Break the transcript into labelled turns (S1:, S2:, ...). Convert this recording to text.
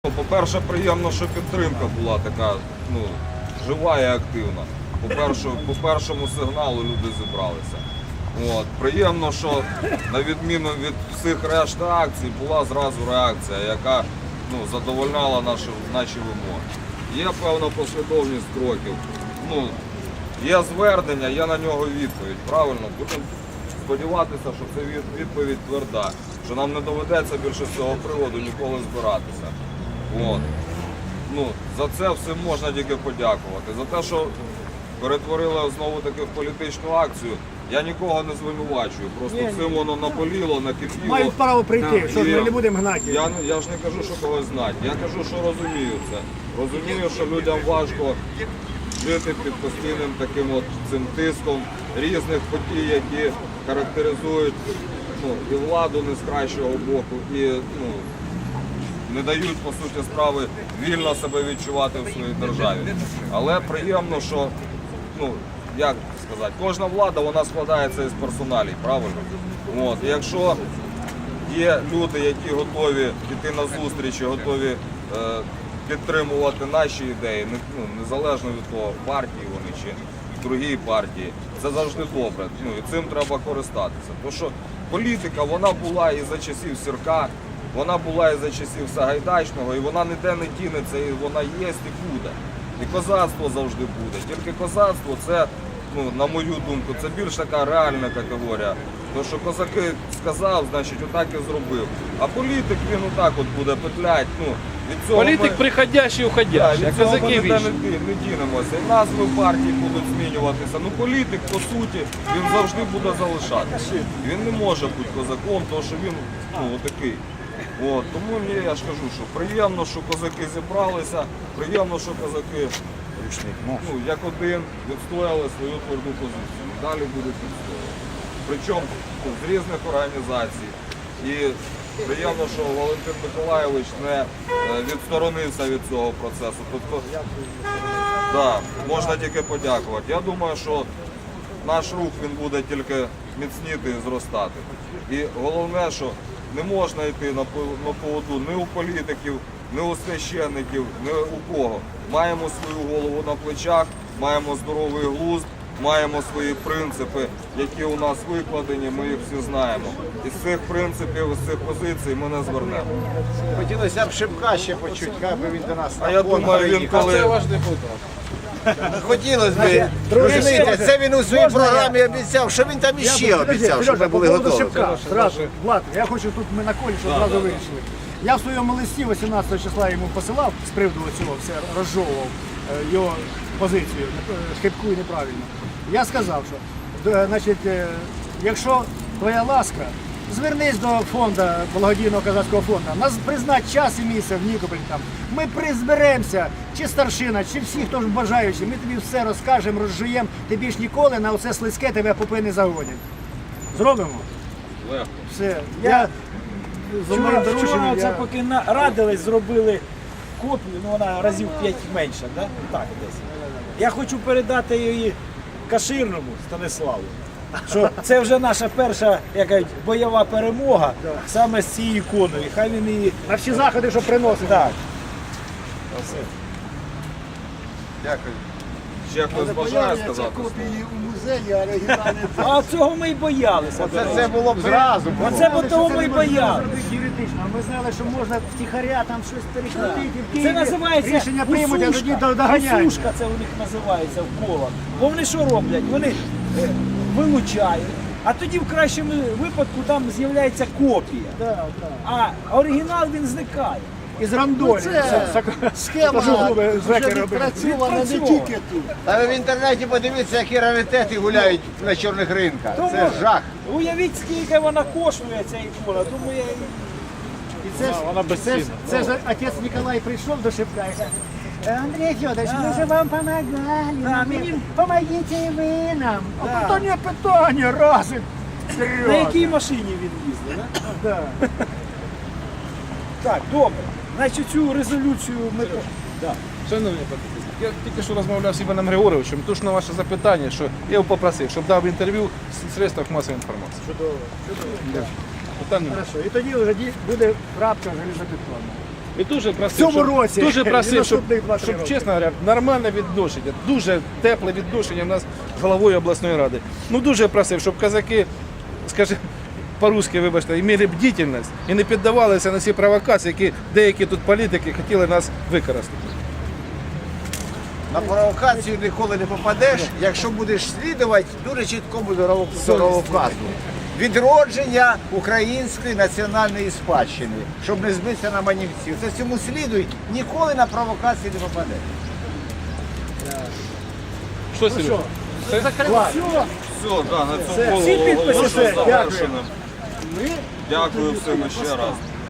S1: По-перше, приємно, що підтримка була така жива і активна. По першому сигналу люди зібралися. Приємно, що на відміну від всіх решти акцій була зразу реакція, яка задовольняла наші вимоги. Є певна послідовність кроків. Є звернення, є на нього відповідь. Правильно? Будемо сподіватися, що це відповідь тверда, що нам не доведеться більше з цього приводу ніколи збиратися. За це всім можна тільки подякувати. За те, що перетворили знову-таки в політичну акцію, я нікого не звинувачую. Просто цим воно наболіло, накипіло.
S2: Мають право прийти, що ми не будемо гнати.
S1: Я ж не кажу, що когось знати. Я кажу, що розумію це. Розумію, що людям важко жити під постійним таким цим тиском різних подій, які характеризують і владу не з кращого боку, і не дають, по суті справи, вільно себе відчувати в своїй державі. Але приємно, що, як сказати, кожна влада, вона складається із персоналій, правильно? І якщо є люди, які готові йти на зустрічі, готові підтримувати наші ідеї, незалежно від того, партії вони чи другій партії, це завжди добре. І цим треба користатися. Тому що політика, вона була і за часів Сірка, вона була і за часів Сагайдачного, і вона ніде не дінеться, і вона є і буде. І козацтво завжди буде. Тільки козацтво це, на мою думку, це більш така реальна категорія. Тому що козаки сказав, значить отак і зробив. А політик, він отак буде петлять.
S3: Політик приходящий, уходящий, а козаки вічні.
S1: Не дінемося. І назви партій будуть змінюватися. Політик, по суті, він завжди буде залишатися. Він не може бути козаком, тому що він отакий. Тому я ж кажу, що приємно, що козаки зібралися, приємно, що козаки як один відстояли свою тверду позицію. Далі будуть відстоювати. Причому з різних організацій. І приємно, що Валентин Миколайович не відсторонився від цього процесу. Тобто, можна тільки подякувати. Я думаю, що наш рух він буде тільки міцніти і зростати. І головне, що не можна йти на поводу ні у політиків, ні у священників, ні у кого. Маємо свою голову на плечах, маємо здоровий глузд, маємо свої принципи, які у нас викладені, ми їх всі знаємо. І з цих принципів, з цих позицій ми не звернемо.
S4: Хотілося б Шипка ще почути, як би він до нас
S1: А я думаю, він коли...
S3: Це ваш депутат.
S4: Хотілося б, розумієте, це він у своїй програмі обіцяв, що він там іще обіцяв, щоб ми були готові.
S2: Влад, я хочу тут, ми на колі, щоб одразу вирішили. Я в своєму листі 18 числа йому посилав з приводу цього, все розжовував його позицію, хибку і неправильно. Я сказав, що, значить, якщо твоя ласка, звернись до фонду, благодійного козацького фонду, нас признать час і місце в Нікополі там. Ми призберемося, чи старшина, чи всі, хто ж бажаючи, ми тобі все розкажемо, розжуємо, ти більш ніколи на оце слизьке тебе попи не загонять. Зробимо?
S1: Легко.
S2: Все. Я
S5: Вчора це поки радились, зробили копію, вона разів 5 менша, да? Так, десь. Я хочу передати її Каширному Станиславу, що це вже наша перша, як кажуть, бойова перемога саме з цією іконою. Хай він її...
S2: на всі заходи, що приносить.
S5: Так.
S4: Дякую.
S1: Ще хтось бажає сказати?
S2: Копії у музеї, а оригінальні...
S5: А цього ми й боялися.
S4: Це було б зразу.
S5: Оце бо того ми й боялися.
S2: Юридично, ми знали, що можна втіхаря там щось перекрутити, в Києві
S5: Це називається
S2: рішення приймуть, а тоді доганяють.
S5: усушка, це у них називається в колах. Бо вони що роблять? Вони вилучають, а тоді в кращому випадку там з'являється копія. А оригінал він зникає.
S2: Із рандолі.
S6: Схема вже відпрацьована не тільки тут.
S4: А ви в інтернеті подивіться, які раритети гуляють на чорних ринках. Це жах.
S5: Уявіть, скільки вона коштує, ця ікона. Думаю, я...
S3: Вона безцінна.
S2: Це ж отець Ніколай прийшов до Шипка і каже, Андрій Федорович, ми же вам помогали, помогите і ви нам. А питання, раз.
S5: На якій машині він їздив, да? Так, добре. Значить, цю резолюцію ми...
S3: Шановні депутати, я тільки що розмовляв з Іваном Григоровичем, тож на ваше запитання, що я його попросив, щоб дав інтерв'ю в средствах масової інформації.
S2: Чудово.
S3: Питання.
S2: Хорошо. І тоді вже буде крапка залізобетонна.
S3: І дуже просив,
S2: В цьому році
S3: дуже
S2: і
S3: просив, щоб,
S2: наступних 2-3
S3: щоб
S2: роки.
S3: чесно говоря, нормальне відношення, дуже тепле відношення в нас з головою обласної ради. Ну дуже просив, щоб казаки, скажімо, по-русски, вибачте, мали бдительність і не піддавалися на ці провокації, які деякі тут політики хотіли нас використати.
S4: На провокацію ніколи не попадеш, якщо будеш слідувати дуже чіткому дороговказу. Відродження української національної спадщини, щоб не збитися на манівців. Це цьому слідуй, ніколи на провокації не попадеш.
S3: Що, Сережа?
S1: Все, да, на цьому
S2: Всі
S1: було
S2: підписи,
S1: оголошено
S2: все, дякую.
S1: завершеним. Дякую всім ще раз.